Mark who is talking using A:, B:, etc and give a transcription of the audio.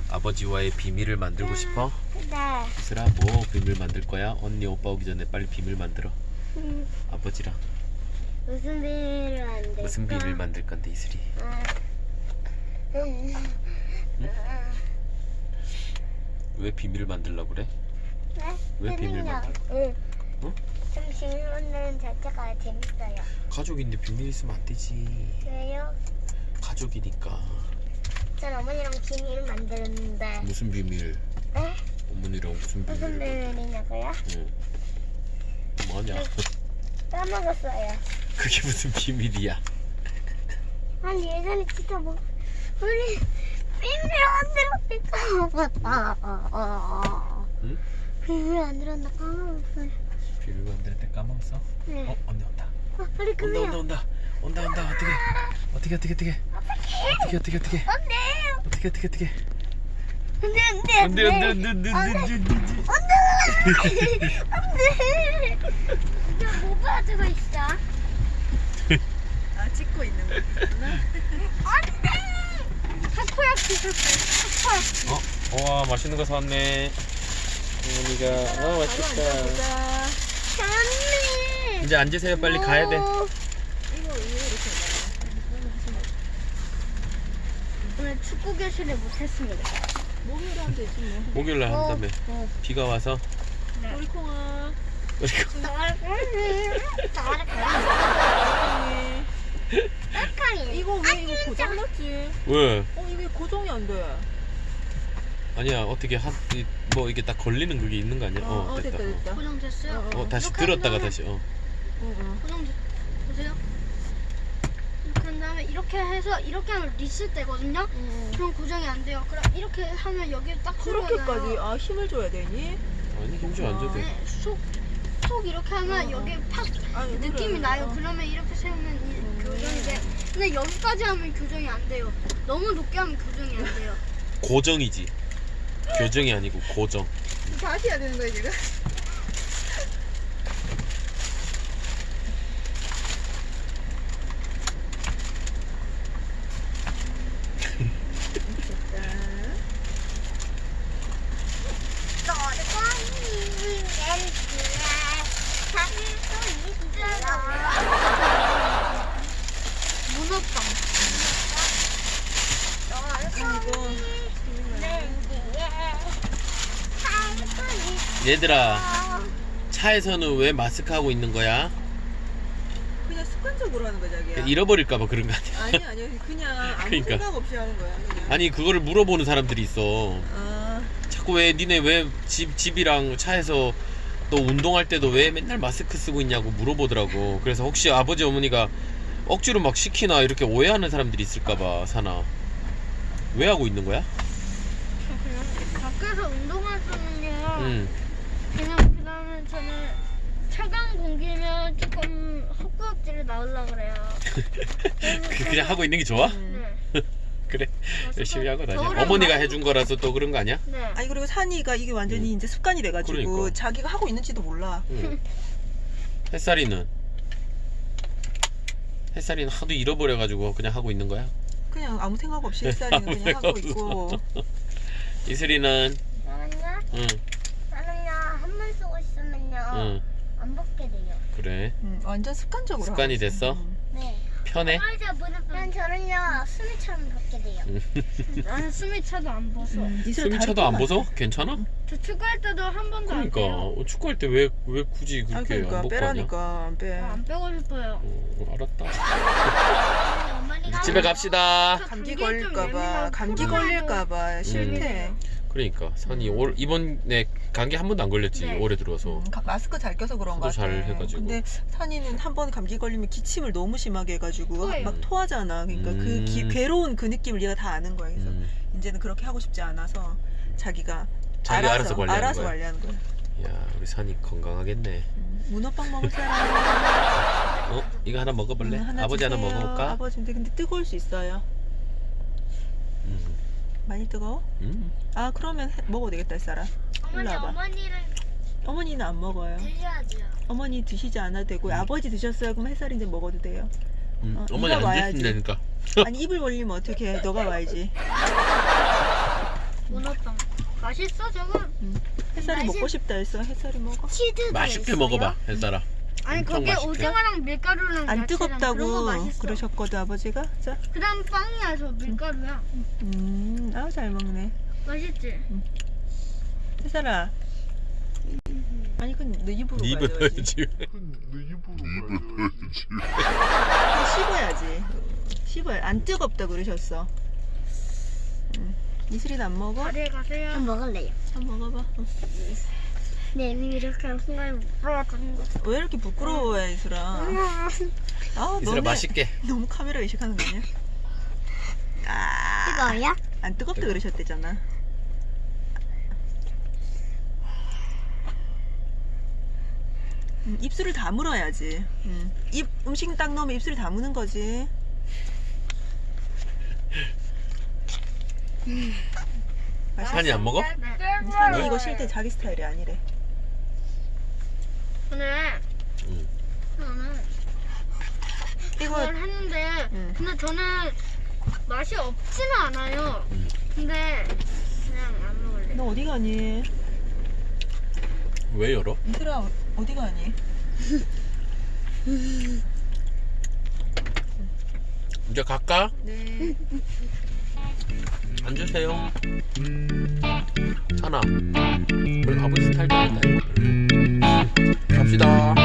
A: 아버지와의 비밀을 만들고 싶어?
B: 네.
A: 이슬아, 뭐 비밀 만들 거야? 언니 오빠 오기 전에 빨리 비밀 만들어. 아버지랑
B: 무슨 비밀을 만들까?
A: 무슨 비밀 만들 건데 이슬이? 왜 비밀을 만들려고 그래?
B: 네?
A: 왜 비밀 만들어?
B: 응.
A: 어?
B: 좀 비밀 만드는 자체가 재밌어요.
A: 가족인데 비밀 있으면 안 되지.
B: 왜요?
A: 가족이니까.
B: 전 어머니랑 비밀 만드는데.
A: 무슨 비밀?
B: 네?
A: 어머니랑 무슨
B: 무슨
A: 비밀을?
B: 비밀이냐고요?
A: 응. 뭐냐?
B: 까먹었어요.
A: 그게 무슨 비밀이야?
B: 아니 예전에 진짜 뭐 우리 비밀을 만들었을까?
A: 응?
B: 비밀 만들었나 까먹었어요.
A: 비밀 만들 때 까먹었어?
B: 네.
A: 어, 언니 온다.
B: 빨리 그래요.
A: 온다. 어떻게?
B: 어떡해. 안돼. 이거 뭐 가지고 있어?
C: 아, 찍고 있는 거구나.
B: 안돼. 타코야키 샀어요. 타코야키.
A: 와, 맛있는 거 사왔네. 어머니가 맛있다.
C: 보자.
B: 잘했네.
A: 이제 앉으세요. 빨리 가야 돼.
C: 이거 이렇게
B: 오늘 축구 교실을 못했습니다.
C: 몸으로 하면 되지 뭐.
A: 목요일 날 한다며. 비가 와서.
C: 우리콩아.
A: 그리고
C: 이거 왜 이거 고장났지?
A: 왜?
C: 이게 고정이 안 돼.
A: 아니야. 어떻게 뭐 이게 딱 걸리는 그게 있는 거 아니야?
C: 됐다.
B: 고정됐어요?
A: 다시
B: 이렇게
A: 들었다가
B: 한 다음에-
A: 다시.
B: 보세요. 이렇게 한 다음에 이렇게 해서 이렇게 하면 리셋 되거든요. 그럼 고정이 안 돼요. 그럼 이렇게 하면 여기 딱
C: 그렇게까지
B: 들어가요.
C: 힘을 줘야 되니?
A: 아니, 힘좀 안 줘도 돼.
B: 네, 속 이렇게 하면 여기 팍
C: 아니,
B: 느낌이
C: 그래.
B: 나요. 그러면 이렇게 세우면 교정이 돼. 근데 여기까지 하면 교정이 안 돼요. 너무 높게 하면 교정이 안 돼요.
A: 고정이지. 교정이 아니고 고정.
C: 다시 해야 되는 거야 지금?
B: 문어빵.
A: 얘들아, 차에서는 왜 마스크 하고 있는 거야?
C: 그냥 습관적으로 하는 거야 자기야.
A: 잃어버릴까봐 그런 거 아니야?
C: 아니 그냥 아무
A: 그러니까.
C: 생각 없이 하는 거야 그냥.
A: 아니, 그거를 물어보는 사람들이 있어.
C: 아,
A: 자꾸 왜 니네 왜 집이랑 차에서 또 운동할 때도 왜 맨날 마스크 쓰고 있냐고 물어보더라고. 그래서 혹시 아버지 어머니가 억지로 막 시키나 이렇게 오해하는 사람들이 있을까봐 사나. 왜 하고 있는 거야?
B: 그냥 밖에서 운동할 때는요.
A: 응.
B: 그다음에 저는 차가운 공기면 조금 헛구역질이 나오려고 그래요.
A: 그냥 하고 있는 게 좋아?
B: 네.
A: 그래. 열심히 하고 다녀.
B: 겨울에
A: 어머니가
B: 많이-
A: 해준 거라서 또 그런 거 아니야?
B: 네.
C: 아니 그리고 산이가 이게 완전히 이제 습관이 돼가지고
A: 그러니까.
C: 자기가 하고 있는지도 몰라.
A: 응. 햇살이는 하도 잃어버려가지고 그냥 하고 있는 거야?
C: 그냥 아무 생각 없이 햇살이는 그냥 하고 있고.
A: 이슬이는
B: 저는요.
A: 응.
B: 저는요 한 번 쓰고 있으면요
A: 응.
B: 안 벗게 돼요.
A: 그래.
C: 완전 습관적으로.
A: 습관이
C: 하고 있어.
A: 됐어?
B: 네.
A: 편해?
B: 그럼 저는요 숨이 차면 벗게 돼요. 나는 숨이 차도 안 벗어.
A: 숨이 차도 안 벗어? 괜찮아?
B: 저 축구할 때도 한 번도 안
A: 그러니까
B: 빼요.
A: 축구할 때 왜 굳이
C: 아
A: 그렇게
C: 그러니까
A: 안 벗고 하냐?
C: 빼라니까 안 빼.
B: 안 빼고 싶어요.
A: 알았다.
B: 어머니가
A: 집에 갑시다.
C: 감기
B: 좀
C: 걸릴까봐
B: 예민하고
C: 감기
B: 코로나도
C: 걸릴까봐 싫대.
A: 그러니까 산이 이번에 감기 한 번도 안 걸렸지.
B: 네.
A: 올해 들어서.
C: 마스크 잘 껴서 그런 거
A: 저도
C: 같아.
A: 잘 해가지고.
C: 근데 산이는 한 번 감기 걸리면 기침을 너무 심하게 해가지고
B: 토해요.
C: 막 토하잖아. 그러니까
A: 음.
C: 괴로운 그 느낌을 얘가 다 아는 거야. 그래서 이제는 그렇게 하고 싶지 않아서 자기가
A: 알아서 관리하는
C: 알아서
A: 거야.
C: 관리하는 거야.
A: 야, 우리 산이 건강하겠네.
C: 문어빵 먹을 사람.
A: 이거 하나 먹어볼래?
C: 하나
A: 아버지 하나
C: 주세요.
A: 먹어볼까?
C: 아버지 근데 뜨거울 수 있어요. 많이 뜨거워? 아 그러면 먹어도 되겠다 이 사람.
B: 어머니
C: 일로 와봐.
B: 어머니는
C: 어머니는 안 먹어요.
B: 드셔야죠.
C: 어머니 드시지 않아도 되고 아버지 드셨어요? 그럼 햇살이 이제 먹어도 돼요.
A: 어머니
C: 네가
A: 안
C: 와야지.
A: 드신다니까.
C: 아니 입을 벌리면 어떻게 해? 너가 와야지.
B: 문어빵. 맛있어 저거?
C: 햇살이 먹고 싶다 했어. 햇살이 먹어.
B: 치즈가
A: 맛있게
B: 있어요?
A: 먹어봐 햇살아.
B: 아니
A: 엄청
B: 거기에
A: 맛있게.
B: 오징어랑 밀가루랑
C: 안
B: 야채랑 그런 거
C: 뜨겁다고
B: 맛있어.
C: 그러셨거든 아버지가. 자,
B: 그다음 빵이야 저 밀가루야.
C: 아우 잘 먹네.
B: 맛있지?
C: 햇살아. 아니 그건 너 입으로
A: 네 입을
C: 가져야지.
A: 지금.
C: 씹어야지. 씹어야. 안 뜨겁다 그러셨어. 이슬이는 안 먹어?
B: 자리에 가세요.
D: 한번 먹을래요.
C: 한번 먹어봐.
D: 네, 이렇게 하는 순간에 못 보여주는 거.
C: 왜 이렇게 부끄러워해 이슬아? 아,
A: 이슬아
C: 너네
A: 맛있게.
C: 너무 카메라 의식하는 거 아니야? 아,
D: 뜨거워요?
C: 안 뜨겁다 그러셨대잖아. 입술을 다물어야지. 입 음식 딱 넣으면 입술을 다무는 거지.
A: 산이 안 먹어?
C: 산이 이거 쉴 때 자기 스타일이 아니래.
B: 근데 저는
C: 이거
B: 그걸 했는데 근데 저는 맛이 없지는 않아요. 근데 그냥 안 먹을래.
C: 너 어디 가니?
A: 왜 열어?
C: 이슬아 어디 가니?
A: 이제 갈까?
C: 네.
A: 앉으세요. 산아. 우리 아버지 스타일 좋아한다. 갑시다.